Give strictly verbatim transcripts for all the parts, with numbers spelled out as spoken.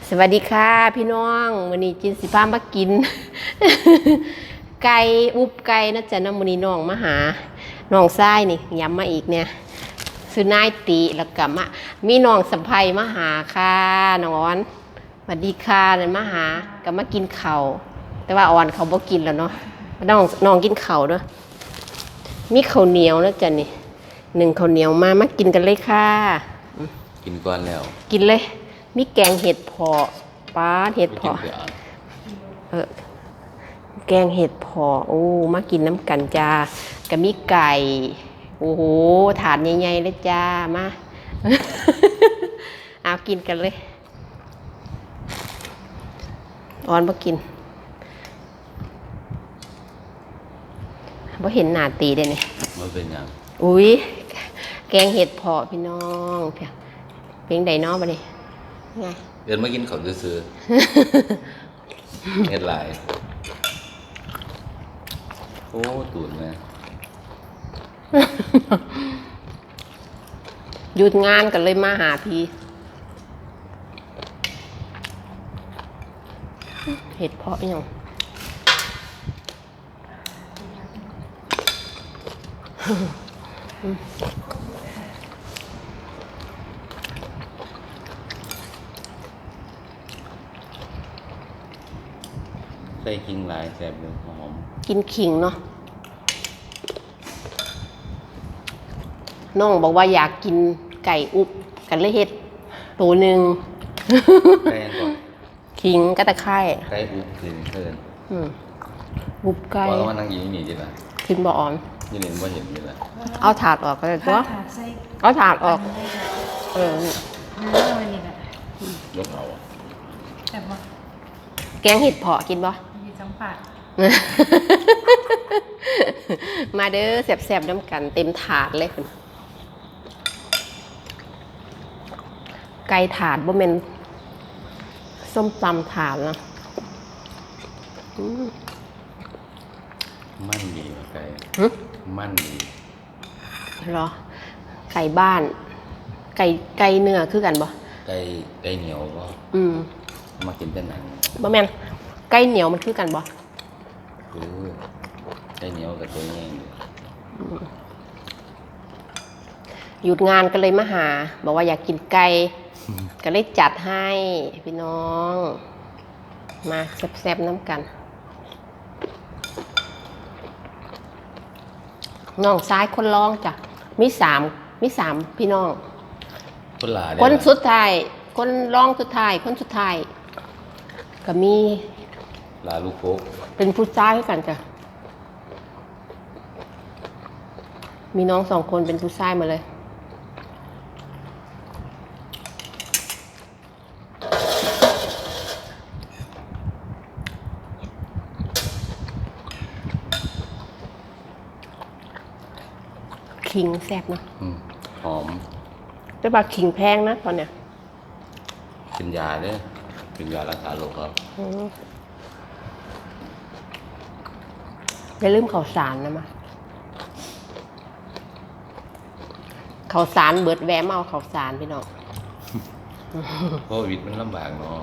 สวัสดีค่ะพี่น้องวันนี้จินสิพามากิน ไก่อุบไก่นะจ๊ะน้ำมันนี้น้องมาหาน้องทรายนี่ย้ำมาอีกเนี่ยซื้อนายตีแล้วก็มามีน้องสัมภัยมาหาค่ะน้องอ้อนสวัสดีค่ะเลยมาหาก็มากินเข่าแต่ว่าอ่อนเขาบ่กินแล้วเนาะน้องน้องกินเข่าเนาะมีข้าวเหนียวนะจ๊ะนี่หนึ่งข้าวเหนียวมามากินกันเลยค่ะกินก่อนแล้วกินเลยมีแกงเห็ดเพาะปลาเห็ดเพาะเออแกงเห็ดเพาะโอ้มากินน้ำกันจ้ากับมีไก่โอ้โหถาดใหญ่ๆเลยจ้ามาเอากินกันเลยอ่อนบ่กินบ่เห็นหน้าตีได้เนี่ยมันเป็นยังอุ้ยแกงเห็ดเพาะพี่น้องเพียงเพียงใดน้องมาดิไงเดินมากินเขาซื้อเห็ดลายโอ้ตูดแม่หยุดงานกันเลยมาหาพี่เห็ดเพาะยังใส่ขิงลายแซ่บเลยหอมกินขิงเนาะน้องบอกว่าอยากกินไก่อุบกันเลยเห็ดตัวหนึ่งไก่ก่อนขิงก็ตะไคร้ไก่อุบถึงเพิ่นอุบไก่ว่ามันนั่งกินนี่จิล่ะกินบ่อ่อนยี่เล่นบ่เห็นนี่แหละเอาถาดออกก็ได้ตัวเอาถาดออกเออลกเอาแกงเห็ดเพาะกินบ่มาเด้อแซ่บๆน้ำกันเต็มถาดเลยคุณไก่ถาดบ่แม่นส้มตำถาดนะมันดีไก่มันดีเหรอไก่บ้านไก่ไก่เนื้อคือกันบ่ไก่ไก่เหนียวก็อืมมากินเป็นหนังบ่แม่นไก่เหนียวมันคือกันบ่คือไก่เหนียวกับตัวแห้งหยุดงานก็เลยมาหาบอกว่าอยากกินไก่ก็เลยจัดให้พี่น้องมาแซ่บๆน้ำกันน้องซ้ายคนร้องจ้ะมีสามมีสามพี่น้องคนหลาคนสุดท้ายคนร้องสุดท้ายคนสุดท้ายก็มีลาลูกโคกเป็นผู้ชายกันจ้ะมีน้องสองคนเป็นผู้ชายมาเลยขิงแซ่บเนาะหอมแต่ว่าขิงแพงนะตอนเนี้ยกินยาเนี่ยกินยารักษาโรคครับอย่าลืมข้าวสารนะมาข้าวสารเบิดแวมเอาข้าวสารพี่น้องโควิดมันลำบากเนาะ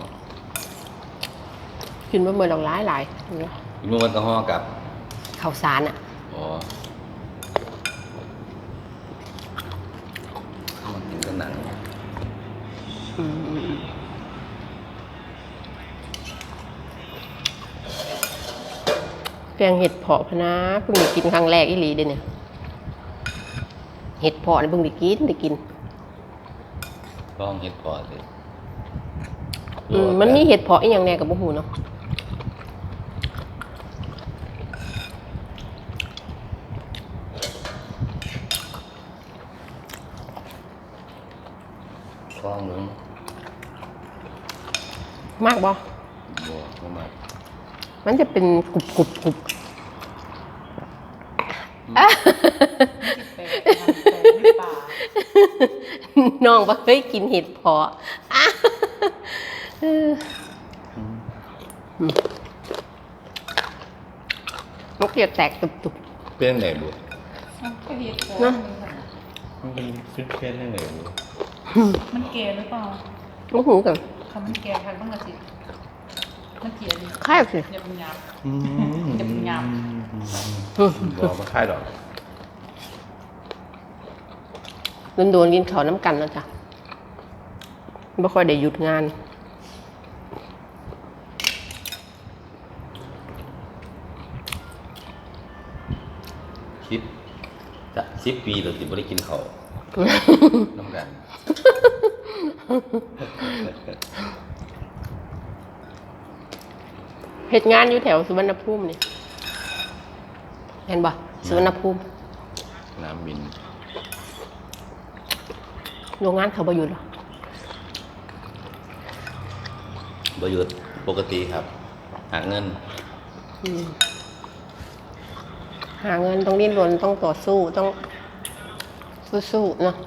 กินมาเมื่อหลงร้ายหลายกินเมื่อวันตะห่อกับข้าวสารอ่ะอ๋อมันกินกันหนังแกงเห็ดเพาะพนะเพิ่งได้กินครั้งแรกอีหลีเด้เนี่ยเห็ดเพาะเนี่ยเพิ่งได้กินได้กินลองเห็ดเพาะเลยอืมมันมีเห็ดเพาะอีกอย่างแน่กับบุหูเนาะลองนึงมากบ่บ่บ่มากมันจะเป็นกรุบกรุบกรุบน้องบ่เคยกินเห็ดเพาะมันเกลียดแตกตุบๆเป็นไหนบุนะมันเป็นฟิตเฟ่นได้ไหนบุมันเกลียดหรือเปล่าลูกหูกันคำมันแกงทางต้องมาสิมันเกลียดดิค่ายสิอย่าเป็นยามอืมจะเป็นยามบอกมาค่ายดอกโดนๆกินข้าวน้ำกันแล้วจ้ะไม่ค่อยได้หยุดงานคิดจะสิบปีเราติดไม่ได้กินเขาวน้ำกันเหตุงานอยู่แถวสุวรรณภูมินี่เห็นบ่สุวรรณภูมิน้ำบินโรงงานเขาบ่อยู่หรอประโยชน์ปกติครับ หาเงินอืมหาเงินต้องดิ้นรนต้องต่อสู้ต้องสู้ๆเนาะ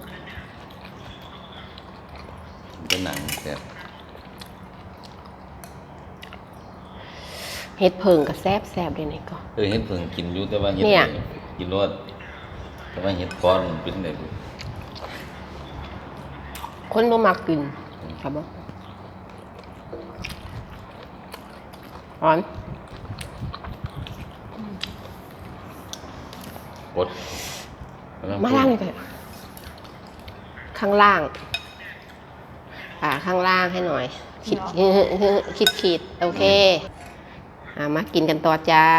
เป็นหนังแต่เฮ็ดเพิงกับแซบแซบเลยนี่ก็เออเห็ดเพิ่งกินอยู่แต่ว่าเห็ดเนี่ยกินรสแต่ว่าเห็ดก้อนมันเป็นไงบุคนบ่มักกินครับบ่อ่อนกดมาล่างเลยค่ะข้างล่างอ่าข้างล่างให้หน่อย คิดคิดขีดโอเคอ่ามากินกันต่อจ้า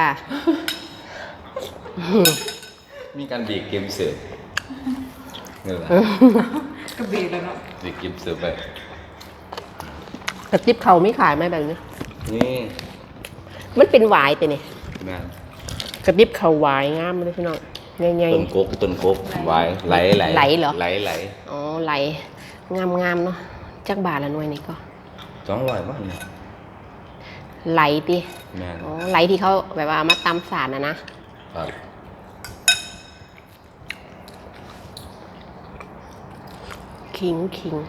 มีการดีดเกมเสิร์ฟนี่แหละกระเบียดเลยเนาะดีดเกมเสิร์ฟไปกระติบเขาไม่ขายไหมแบบนี้นี่มันเป็นหวายแต่เนี่ยงานกระติบเขาหวายงามเลยพี่น้องง่ายต้นกกต้นกกไหวไหลไหลไหลเหรอไหลไหลๆอ๋อไหลงามงามๆเนาะจักบาทละหน่วยนี่ก็สองร้อยบ้างเนี่ยไหลติงานอ๋อไหลที่เขาแบบว่ามาตำสารนะนะครับ ขิงขิง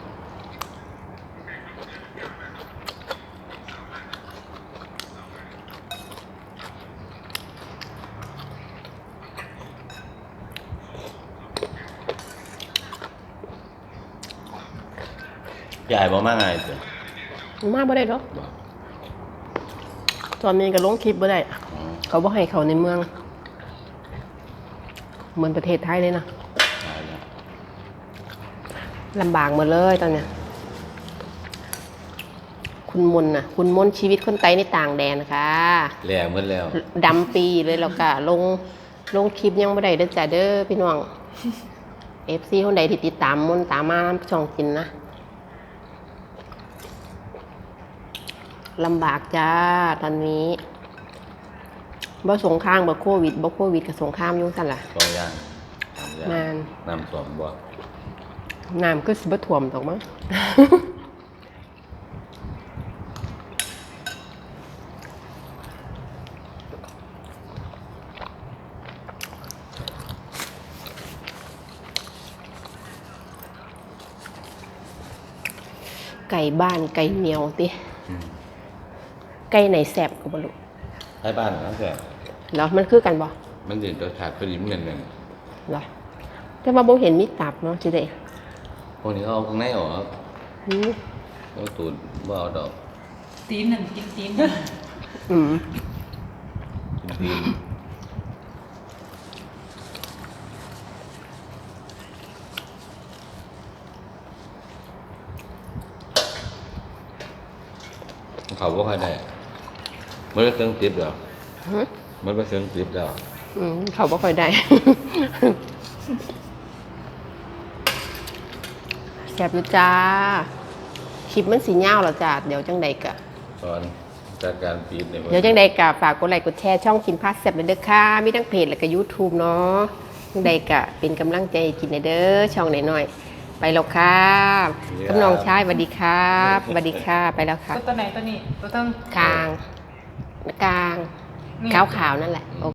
ใหญ่บ่มากไงเจ้ะมาบ่ได้หรอกตอนนี้ก็ลงคลิปบ่ได้อ๋อเขาบ่ให้เขาในเมือง เหมือนประเทศไทยเลยนะตายแล้วลำบากหมดเลยตอนเนี้ยคุณมนต์น่ะ คุณมนต์ชีวิตคนไต้ในต่างแดนนะคะแหล่หมดแล้วดำปีเลยแล้วก็ลงลงคลิปยังบ่ได้เด้อจ้าเด้อพี่น้อง เอฟซีคนใดที่ติดตามมนต์ตามมาช่องกินนะลำบากจ้าตอนนี้บ่สงครามบ่โควิดบ่โควิดกับสงครามอยุ่งสั่นล่ะสองอย่างสามอย่างนานน้ำสองบ่น้ำก็สิบ่ท่วมตกมั้ง ไก่บ้านไก่เหนียวติอืมไก่ไหนแสบก็บ่รู้ไทยบ้านนะแต่แล้วมันคือกันบ่มันจะรสชาติเป็นเหมือนกันเหรอแต่ว่าบ่เห็นมีตับเนาะสิได้พวกนี้เขาเอาข้างในออกอืมเอาตูดบ่เอาดอกตีนหนึ่งกินตีนหนึ่งอืมกินตีนเขาบ่ค่อยได้มันเป็นเครื่องติดแล้วฮะมันเป็นเครื่องติดแล้วอืมเขาบ่ค่อยได้ แสบอยู่จ้า คลิปมันสียาวแล้วจ้า เดี๋ยวจังใดกะตอนจัดการปีดเนี่ยเดี๋ยวจังใดกะฝากกดไลค์กดแชร์ช่องกินพาสแซ่บเลยเด้อค่ะ มีทั้งเพจและก็ YouTube เนาะจังใดกะเป็นกำลังใจให้กินหน่อยเด้อช่องหน่อยๆไปแล้วค่ะกำนองชายสวัสดีครับสวัสดีค่ะ ไปแล้วค่ะตัวไหนตัวนี้ตัวต้องกลางกลางนี่ขาวๆนั่นแหละ โอ